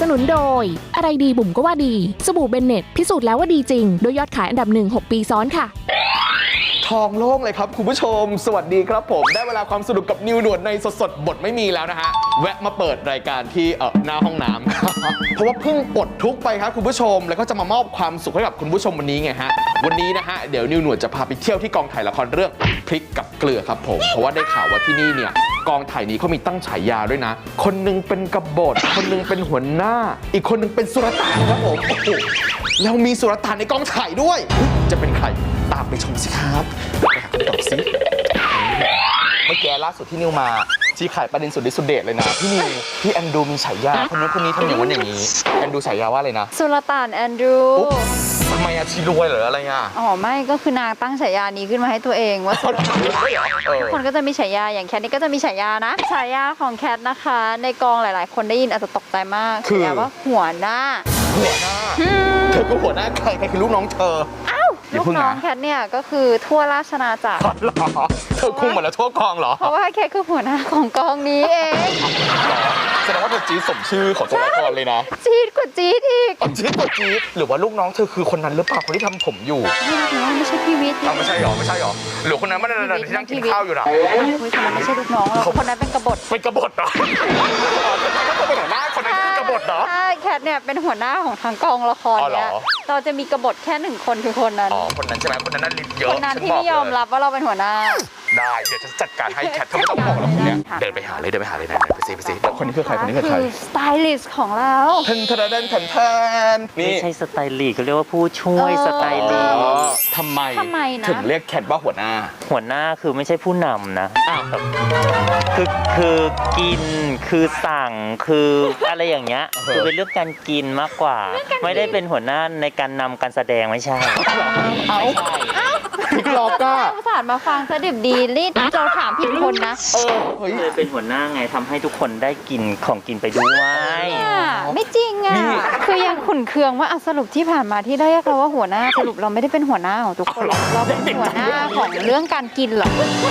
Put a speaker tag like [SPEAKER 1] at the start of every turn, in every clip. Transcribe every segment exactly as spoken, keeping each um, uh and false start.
[SPEAKER 1] สนุนโดยอะไรดีบุ๋มก็ว่าดีสบู่เบนเน็ตพิสูจน์แล้วว่าดีจริงโดยยอดขายอันดับหนึ่ง หก ปีซ้อนค่ะ
[SPEAKER 2] ทองโล่งเลยครับคุณผู้ชมสวัสดีครับผมได้เวลาความสนุกกับนิวหนวดในสดๆบทไม่มีแล้วนะฮะแวะมาเปิดรายการที่เออหน้าห้องน้ำ เพราะว่าเพิ่งปลดทุกข์ไปครับคุณผู้ชมแล้วก็จะมามอบความสุขให้กับคุณผู้ชมวันนี้ไงฮะวันนี้นะฮะเดี๋ยวนิวหนวดจะพาไปเที่ยวที่กองถ่ายละครเรื่องพริกกับเกลือครับผมเพราะว่าได้ข่าวว่าที่นี่เนี่ยกองถ่ายนี้เขามีตั้งฉายาด้วยนะคนนึงเป็นกบฏคนนึงเป็นหัวหน้าอีกคนนึงเป็นสุลต่านครับผมโอ้โหแล้วมีสุลต่านในกองถ่ายด้วยจะเป็นใครตามไปชมสิครับไปหาคำตอบสิเมื่อกี้ล่าสุดที่นิวมาชี้ไข่ประเด็นสุดฤทธิ์สุดเดชเลยนะพี่นิวพี่แอนดูมีฉายาคนนู้นคนนี้ทำอย่างนั้นอย่างนี้แอนดูฉายาว่าอะไรนะ
[SPEAKER 3] สุลต่านแอนดรู
[SPEAKER 2] ทำไมอะชีรวยหรืออะไรอ่ะ
[SPEAKER 3] อ๋อไม่ก็คือนางตั้งฉายานี้ขึ้นมาให้ตัวเองว่าสุลต่านทุกคนก็จะมีฉายาอย่างแคทนี่ก็จะมีฉายานะฉายาของแคทนะคะในกองหลายๆคนได้ยินอาจจะตกใจมากฉายาว่าหัวหน้า
[SPEAKER 2] หัวหน้าเธอก็หัวหน้าใครใครคือลูกน้องเธอ
[SPEAKER 3] อ้าวลูกน้องแคทเนี่ยก็คือทั่วราชนาจักร
[SPEAKER 2] หรอเธอคุมหมดแล้วทั่วกองเหรอ
[SPEAKER 3] เพราะว่าแคทคือหัวหน้าของกองนี้เอง
[SPEAKER 2] แสดงว่าเธอจี๊ดสมชื่อของตัวละครเลยนะ
[SPEAKER 3] จี๊ดกว่าจี๊ดอีก
[SPEAKER 2] จี๊ดกว่าจี๊ดหรือว่าลูกน้องเธอคือคนนั้นหรือเปล่าคนที่ทำผมอยู่
[SPEAKER 3] ไม่ไม่ใช่พี่วิทย์
[SPEAKER 2] ไม่ใช่หรอไม่ใช่หรอหรือคนนั้นไม่ได้ที่นั่งกินข้าวอยู่นะ
[SPEAKER 3] คุยคนนั้นไม่ใช่ลูกน้องหรอกคนนั้นเป็นกบฏ
[SPEAKER 2] เป็นกบฏเหรอเขาเป็นหัวหน้าคนนั้นคือกบฏเหรอ
[SPEAKER 3] ใช่แคทเนี่ยเป็นหัวหน้าของทางกองละครเนี่ยเราจะมีกบฏแค่หนึ่งคนคือคนนั้น
[SPEAKER 2] อ๋อคนนั้นใช่ไหมคนนั้นนั่นลิ้นเยอะ
[SPEAKER 3] คนนั้นที่ไม่ยอมรับว่าเราเป็นหัวหน้า
[SPEAKER 2] ได้เดี๋ยวจะจัดการให้แคทเธอไม่ต้องบอกหรอกคนนี้เดินไปหาเลยเดินไปหาเลยไหนไปซิไปซิคนนี้คือใครคนนี้คือใคร
[SPEAKER 3] สไตลิสต์ของเรา
[SPEAKER 2] เทนเทนเทนเทนเทน
[SPEAKER 4] ไม่ใช่สไตลิสต์เขาเรียกว่าผู้ช่วยสไตลิสต์
[SPEAKER 2] ทำไมถึงเรียกแคทว่าหัวหน้า
[SPEAKER 4] หัวหน้าคือไม่ใช่ผู้นำนะคือคือกินคือสั่งคืออะไรอย่างเงี้ยคือเป็นเรื่องการกินมากกว่าไม่ได้เป็นหัวหน้าในการนำการแสดงไม่ใช่
[SPEAKER 2] เอาพิกล็อกก็
[SPEAKER 3] ภาษามาฟังซะดิบดีรีดเราถามผิดคนนะ
[SPEAKER 4] เออเลยเป็นหัวหน้าไงทำให้ทุกคนได้กินของกินไปด้วย
[SPEAKER 3] ไม่จริงอ่ะคือยังขุ่นเคืองว่าสรุปที่ผ่านมาที่ได้เรียกเราว่าหัวหน้าสรุปเราไม่ได้เป็นหัวหน้าของทุกคนเราเป็นหัวหน้าของเรื่องการกินหรอ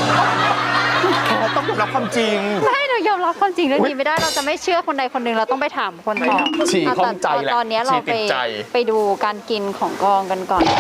[SPEAKER 2] ต้องยอมรับความจริง
[SPEAKER 3] ไม่เรายอมรับความจริงเรื่องนี้ไม่ได้เราจะไม่เชื่อคนใดคนหนึ่งเราต้องไปถามคนต่อ
[SPEAKER 2] ฉี่ข้องใจแหละ
[SPEAKER 3] ตอนนี้เราไปไปดูการกินของกองกันก่อน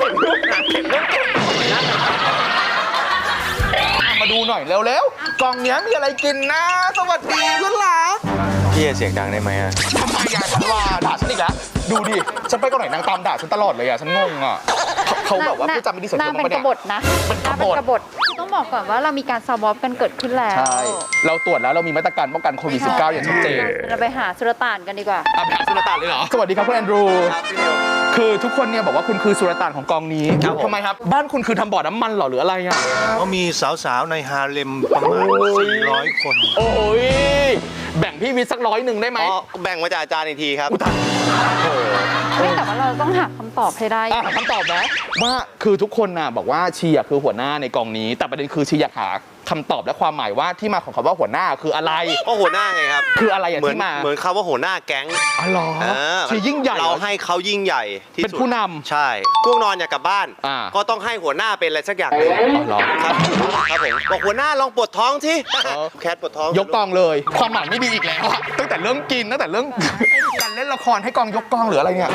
[SPEAKER 2] มาดูหน่อยเร็วๆกองเนี้ยมีอะไรกินนะสวัสดีคุณหลา
[SPEAKER 4] พี่เสียงดังได้ไหมอ่ะ
[SPEAKER 2] ทำไมอ่ะฉันว่าด่าฉันอีกแล้วดูดิฉันไปกองไหนนางตามด่าฉันตลอดเลยอ่ะฉันงงอ่ะเขาแบบว่าพี่จำไม่ดีเสียง
[SPEAKER 3] นางเป็นกบฏนะนางเป็นกบฏต้องบอกก่อนว่าเรามีการสวอปกันเกิดขึ้นแล้ว
[SPEAKER 2] ใช่เราตรวจแล้วเรามีมาตรการป้องกันโควิด สิบเก้า อย่างชัดเจน
[SPEAKER 3] เราไปหาสุลต่านกันดีกว่า
[SPEAKER 2] ไปหาสุลต่านเลยเหรอสวัสดีครับคุณแอนดรูคือทุกคนเนี่ยบอกว่าคุณคือสุลต่านของกองนี้ทำไมครับบ้านคุณคือทำบ่อน้ำมันเหรอหรืออะไรอ่ะ
[SPEAKER 5] ก็มีสาวๆในฮาเลมประมาณสี่ร้อยคน
[SPEAKER 2] โอ้ยแบ่งพี่วิทย์สักร้อยหนึ่งได้ไหม
[SPEAKER 5] อ๋อแบ่งมาจากอาจารย์อีกทีครับ
[SPEAKER 3] ไม่แต่ว่าเราต้องหาคำตอบให้ได้
[SPEAKER 2] หาคำตอบนะว่าคือทุกคนน่ะบอกว่าชีอ่ะคือหัวหน้าในกองนี้แต่ประเด็นคือชีอยากหาคำตอบและความหมายว่าที่มาของคำว่าหัวหน้าคืออะไร
[SPEAKER 5] ก็หัวหน้าไงครับ
[SPEAKER 2] คืออะไรอย่างที่มา
[SPEAKER 5] เหมือนคำว่าหัวหน้าแก๊ง
[SPEAKER 2] อ๋อเหรอชียิ่งใหญ่
[SPEAKER 5] เราให้เขายิ่งใหญ่ที่สุด
[SPEAKER 2] เป็นผู้นำ
[SPEAKER 5] ใช่ง่วงนอนอยากกลับบ้านก็ต้องให้หัวหน้าเป็นอะไรสักอย่างนึง
[SPEAKER 2] อ๋อ
[SPEAKER 5] ครับครับผมบอกหัวหน้าลองปวดท้องที่แคทปวดท้อง
[SPEAKER 2] ยกกองเลยความหมายไม่ดีอีกแล้วตั้งแต่เรื่องกินตั้งแต่เรื่องการเล่นละครให้กองยกกองหรืออะไรเนี่ย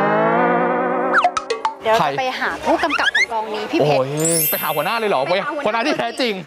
[SPEAKER 3] เดี๋ยวจะไปหาผู้กำกับของกองนี้พี่เพชร
[SPEAKER 2] ไปหาหัวหน้าเลยเหรอไปหัวหน้าที่แท้จริง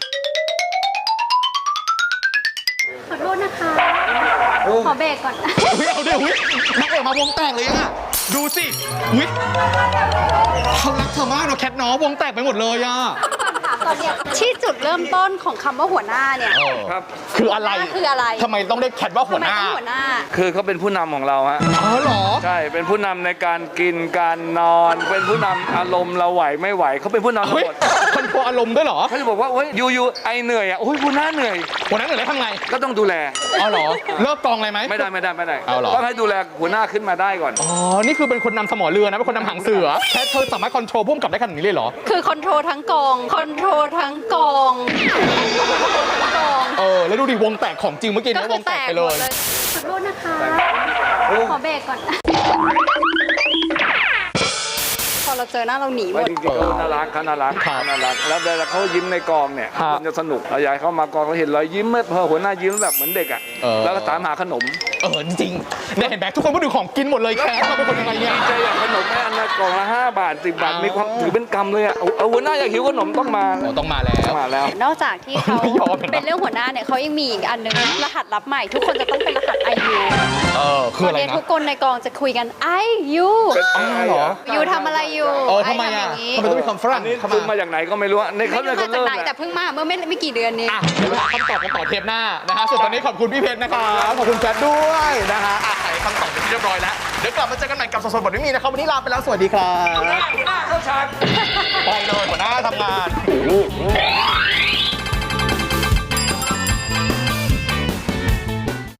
[SPEAKER 3] ขอโทษนะคะขอเบรกก่อน
[SPEAKER 2] เอาเดี๋ยวอุ้ยนักเอกมาวงแตกเลยอ่ะดูสิอุ้ยเขารักเธอมากเนาะแคทน้องวงแตกไปหมดเลยอ่ะ
[SPEAKER 3] ตอนนี้ที่จุดเริ่มต้นของคำว่าหัวหน้าเนี่ย
[SPEAKER 2] ครับคืออะไร
[SPEAKER 3] คืออะไร
[SPEAKER 2] ทำไมต้องได้แคทว่าหัวหน้า
[SPEAKER 6] คือเขาเป็นผู้นำของเราฮะ
[SPEAKER 2] อ๋อเหรอ
[SPEAKER 6] ใช่เป็นผู้นำในการกินการนอนเป็นผู้นำอารมณ์เราไหวไม่ไหวเขาเป็นผู้นำทั้งหมด
[SPEAKER 2] คอนโทรลอารมณ์ด้วยเหรอ
[SPEAKER 6] เขาจะบอกว่าโอ้ยยูยูไอเหนื่อยอ่ะโอ้ยหัวหน้าเหนื่อย
[SPEAKER 2] หัวหน้าเหนื่อยแล้วทำไง
[SPEAKER 6] ก็ต้องดูแล
[SPEAKER 2] อ๋อเหรอเลิกกองเลยไหม
[SPEAKER 6] ไม่ได้ไม่ได้ไม่ได้
[SPEAKER 2] ต้อง
[SPEAKER 6] ให้ดูแลหัวหน้าขึ้นมาได้ก่อน
[SPEAKER 2] อ๋อนี่คือเป็นคนนำสมอเรือนะเป็นคนนำหางเสือแค่เธอสามารถคอนโทรลพุ่มกับได้ขนาดนี้เลยเหรอ
[SPEAKER 3] คือคอนโทรลทั้งกองคอนโทรลทั้งกอง
[SPEAKER 2] เออแล้วดูดิวงแตกของจริงเมื่อกี้นี้วงแตกไปเลย
[SPEAKER 3] ขอโทษนะคะขอเบรกก่อนพอเรา
[SPEAKER 7] เจอหน้าเราหนีหม
[SPEAKER 6] ไม่
[SPEAKER 7] ด
[SPEAKER 6] จริงๆเขาน่ารักเขาน่ารักเขาน่ารักแล้วเวลาเขายิ้มในกองเนี่ย
[SPEAKER 2] ครับ
[SPEAKER 6] มันจะสนุกเราอยากให้เขามากองเราเห็นรอยยิ้มเมื่อพอหัวหน้ายิ้มแบบเหมือนเด็กอ่ะ
[SPEAKER 2] เออ
[SPEAKER 6] แล้วก็ถามหาขนม
[SPEAKER 2] เออจริงๆเนี่ยเห็นไหมทุกคนพูดถึงของกินหมดเลยแคทเราเป็นคนยังไงเนี่ย
[SPEAKER 6] ดีใจอยากขนมแม่อันละกล่องละห้าบาทสิบบาท
[SPEAKER 2] อ๋อ
[SPEAKER 6] มีความถือเป็นกำเลยอ่ะเอาเอาหัวหน้าอยากหิวขนมต้องมา
[SPEAKER 2] โอ้ต้องมาแล้ว
[SPEAKER 6] ต้องมาแล้ว
[SPEAKER 7] นอกจากที่เขา
[SPEAKER 2] ไม่ยอมเลยนะ
[SPEAKER 7] เป็นเรื่องหัวหน้าเนี่ยเขายังมีอีกอันหนึงรหัสลับใหม่ ทุกคนจะต้องเป็นรหัส ไอ ยู
[SPEAKER 2] เออคือ
[SPEAKER 7] ตอ
[SPEAKER 2] อะ
[SPEAKER 7] น
[SPEAKER 2] ไร
[SPEAKER 7] นี้
[SPEAKER 2] นะ
[SPEAKER 7] ทุกคนในกองจะคุยกัน ไอ ยู
[SPEAKER 2] อ๋อเหรอ
[SPEAKER 7] ยูทำอะไรอยู่
[SPEAKER 2] เออ
[SPEAKER 7] ไอ
[SPEAKER 2] ทำไม
[SPEAKER 7] ทำอ
[SPEAKER 2] อ่ะ
[SPEAKER 7] ย่างนี้
[SPEAKER 2] ทำไมต้องมีคำฝรั่ง
[SPEAKER 6] อันนี้
[SPEAKER 2] เข้า
[SPEAKER 6] ซื้อ
[SPEAKER 2] มา
[SPEAKER 6] มาจากไหนก็ไม่รู้อะใน
[SPEAKER 7] ไม่
[SPEAKER 6] เขา
[SPEAKER 7] รู้
[SPEAKER 6] ใน
[SPEAKER 7] มา
[SPEAKER 6] เขา
[SPEAKER 7] จาก
[SPEAKER 6] เริ่ม
[SPEAKER 7] ไหน
[SPEAKER 6] แห
[SPEAKER 7] แต่
[SPEAKER 6] ละ
[SPEAKER 7] เพิ่งมาเมื่อไม่ไม่กี่เดือนนี้
[SPEAKER 2] อ่ะเดี๋ยวไปหาคำตอบกันต่อเทปหน้านะฮะส่วนตอนนี้ขอบคุณพี่เพชรนะครับขอบคุณแฟนด้วยนะฮะอ่ะไขคำตอบเป็นที่เรียบร้อยแล้วเดี๋ยวกลับมาเจอกันใหม่กับสดๆบทไม่มีนะครับวันนี้ลาไปแล้วสวัสดีครับ
[SPEAKER 6] หัวหน้าเข้าฉาก
[SPEAKER 2] ไปเลยหัวหน้าทำงาน